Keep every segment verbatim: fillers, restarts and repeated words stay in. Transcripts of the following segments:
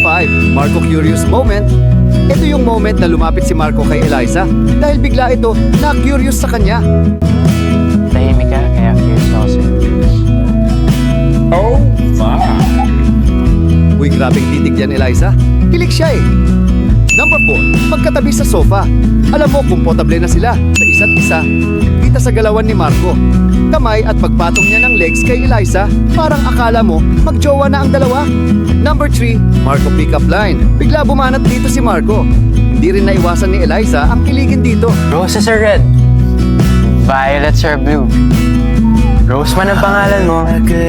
five, Marco Curious Moment. Ito yung moment na lumapit si Marco kay Eliza dahil bigla ito na-curious sa kanya. Tahimik ka, kaya curious ako sa'yo. Oh my! Uy, grabeng titig yan, Eliza. Kilig siya eh. Number four, pagkatabi sa sofa. Alam mo, komportable na sila sa isa't isa. Kita sa galawan ni Marco. Kamay at pagpatong niya ng legs kay Eliza, parang akala mo magjowa na ang dalawa. Number three, Marco pick-up line. Bigla bumanat dito si Marco. Hindi rin naiwasan ni Eliza ang kiligin dito. Roses are red. Violets are blue. Rose man ang pangalan mo.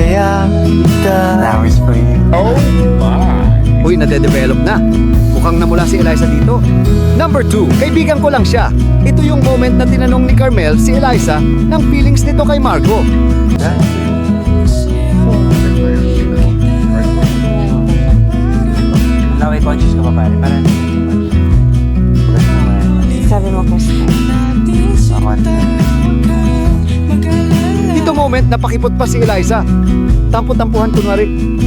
That was for you. Oh my! Uy, nade-develop na. Mukhang namula si Eliza dito. Number two, kaibigan ko lang siya. Ito yung moment na tinanong ni Carmel si Eliza ng feelings nito kay Marco. Laway conscious ka pa pare. Para Sabi mo, Krista. ako. Dito moment napakipot pa si Eliza. Tampo-tampuhan kunwari.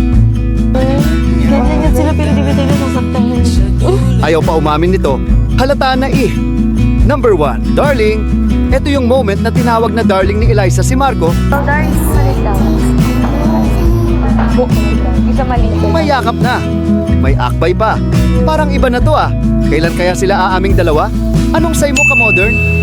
Ganyan yan sila, pero di ba tayo sasaktan yun? Ayaw pa umamin nito. Halata na eh. Number one, darling. Ito yung moment na tinawag na darling ni Eliza si Marco. Oh, darling, salit lang. Oh, isa maliit. May yakap na. May akbay pa. Parang iba na to ah. Kailan kaya sila aaming dalawa? Anong say mo ka modern?